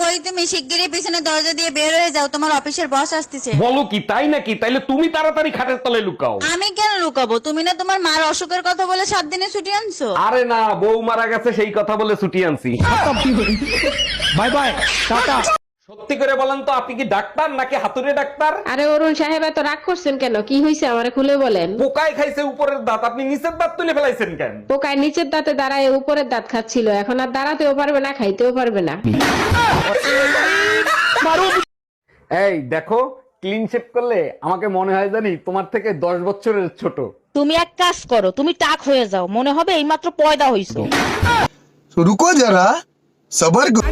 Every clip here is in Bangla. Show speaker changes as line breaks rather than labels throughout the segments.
কই তুমি? শিগগিরই পিছনে দরজা দিয়ে বের হয়ে যাও, তোমার অফিসের বস আসতেছে।
বলো কি, তাই নাকি? তাইলে তুমি তাড়াতাড়ি খাটের তলায় লুকাও।
আমি কেন লুকাবো? তুমি না তোমার মার অসুখের কথা বলে 7 দিনে ছুটি আনছো।
আরে না, বউ মারা গেছে সেই কথা বলে ছুটি আনছি।
Bye bye, tata.
সত্যি করে বলেন তো, আপনি কি ডাক্তার নাকি হাতুড়ে ডাক্তার?
আরে অরুণ সাহেব, এত রাগ করছেন কেন? কি হয়েছে আমারে খুলে বলেন।
পোকায় খাইছে উপরের দাঁত, আপনি নিচের দাঁত তুলে ফেলাইছেন কেন?
পোকায় নিচের দাঁতে দাঁড়ায় উপরের দাঁত খাচ্ছিল, এখন আর দাঁড়াতেও পারবে না, খাইতেও পারবে না।
এই দেখো, ক্লিন শেভ করলে আমাকে মনে হয় জানি তোমার থেকে 10 বছরের ছোট।
তুমি এক কাজ করো, তুমি টাক হয়ে যাও, মনে হবে এইমাত্র পয়দা হইছো।
तो रुको जरा, सबर करो।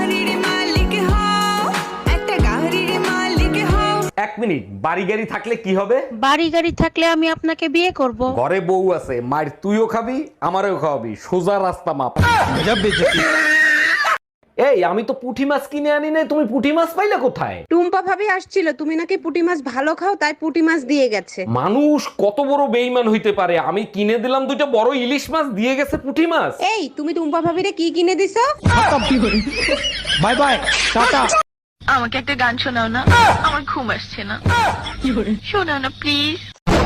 1 মিনিট, বাড়ি গাড়ি থাকলে কি হবে?
বাড়ি গাড়ি থাকলে আমি আপনাকে বিয়ে করব।
ঘরে বউ আছে, মায়ের তুইও খাবি আমারও খাওয়াবি, সোজা রাস্তা মাপ।
गजब बेइज्जती।
এই আমি তো পুঁটি মাছ কিনে আনি নাই, তুমি পুঁটি মাছ পাইলে কোথায়?
টুম্পা ভাবি আসছিল, তুমি নাকি পুঁটি মাছ ভালো খাও, তাই পুঁটি মাছ দিয়ে গেছে।
মানুষ কত বড় বেইমান হইতে পারে! আমি কিনে দিলাম 2টা বড় ইলিশ মাছ, দিয়ে গেছে পুঁটি মাছ।
এই তুমি টুম্পা ভাবিরে কি কিনে দিছো?
Bye bye, tata.
আমাকে একটা গান শোনাও না, আমার ঘুম আসছে না। শোনাও না প্লিজ।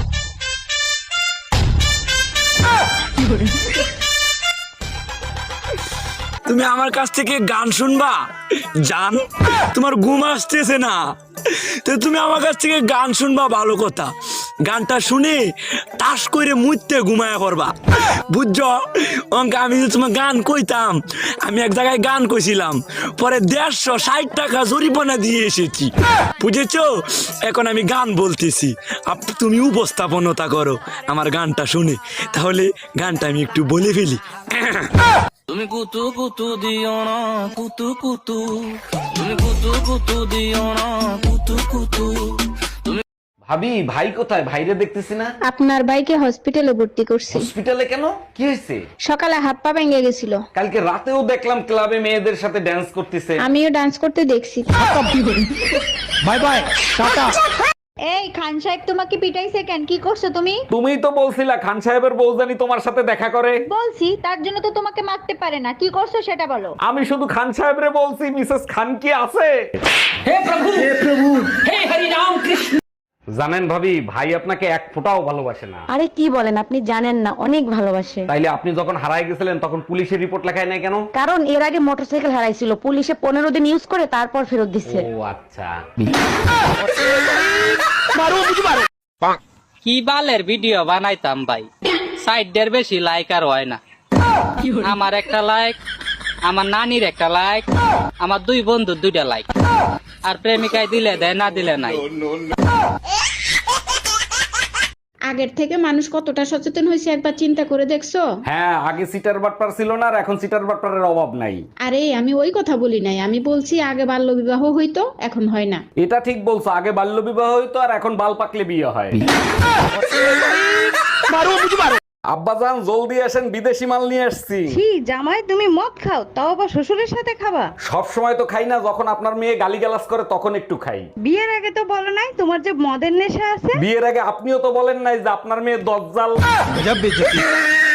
তুমি আমার কাছ থেকে গান শুনবা জান? তোমার ঘুম আসতেছে না তো তুমি আমার কাছ থেকে গান শুনবা, ভালো কথা। গানটা শুনে তাস করে মুইতে ঘুমায়া করবা, বুঝছো? অঙ্কে আমি যে তোমার গান কইতাম, আমি এক জায়গায় গান কইছিলাম, পরে 150 টাকা জরিমানা দিয়ে এসেছি, বুঝেছো? এখন আমি গান বলতেছি, তুমি উপস্থাপনতা করো আমার গানটা শুনে। তাহলে গানটা আমি একটু বলে ফেলি। তুমি কুতু কুতু দিও না, কুতু কুতু, তুমি কুতু কুতু দিও না, কুতু কুতু।
ভাবি, ভাই কোথায়? ভাইরে দেখতেছি না।
আপনার ভাইকে হসপিটালে ভর্তি করছি।
হসপিটালে কেন? কি হয়েছে?
সকালে হাত পা ভেঙে গেছিল।
কালকে রাতেও দেখলাম ক্লাবে মেয়েদের সাথে ড্যান্স করতেছে।
আমিও ডান্স করতে দেখছি।
बाय बाय, टाटा।
এই খান সাহেব তোমাকে পিটাইছে কেন? কি করছো তুমি?
তুমিই তো বলছিলা খান সাহেবের বউ জানি তোমার সাথে দেখা করে।
বলছি, তার জন্য তো তোমাকে মারতে পারে না। কি করছো সেটা বলো।
আমি শুধু খান সাহেবরে বলছি, মিসেস খান কি আছে? হে প্রভু, হে প্রভু, হে হরি রাম কৃষ্ণ। জানেন ভাবি, ভাই আপনাকে এক ফোঁটাও ভালোবাসে না।
আরে কি বলেন, আপনি জানেন না, অনেক ভালোবাসে।
তাইলে আপনি যখন হারায় গেছিলেন তখন পুলিশের রিপোর্ট লেখায় নাই কেন?
কারণ এর আগে মোটরসাইকেল হারাইছিল, পুলিশে 15 দিন ইউজ করে তারপর ফেরত দিচ্ছে।
ও আচ্ছা।
কি বালের ভিডিও বানাইতাম ভাই, 60 বেশি লাইক আর হয় না। আমার একটা লাইক, আমার নানির একটা লাইক, আমার 2 বন্ধুর 2টা লাইক, আর প্রেমিকায় দিলে দেয়, না দিলে নাই।
আগের থেকে মানুষ কতটা সচেতন হয়েছে একবার চিন্তা করে দেখছো?
হ্যাঁ, আগে সিটার বাটপার ছিল না, আর এখন সিটার বাটপারের অভাব নাই।
আরে আমি ওই কথা বলি নাই, আমি বলছি আগে বাল্য বিবাহ হইতো, এখন হয় না।
এটা ঠিক বলছো, আগে বাল্য বিবাহ হইতো আর এখন বাল পাকলে বিয়ে হয়। আব্বাজান জলদি আসেন, বিদেশি মাল নিয়ে আসছি।
কি জামাই, তুমি মদ খাও, তাও আবার শ্বশুরের সাথে খাবা?
সব সময় তো খাই না, যখন আপনার মেয়ে গালিগালাজ করে তখন একটু খাই।
বিয়ের আগে তো বলো নাই তোমার যে মদের নেশা আছে।
বিয়ের আগে আপনিও তো বলেন নাই যে আপনার মেয়ে দজ্জাল।
गजब बेइज्जती।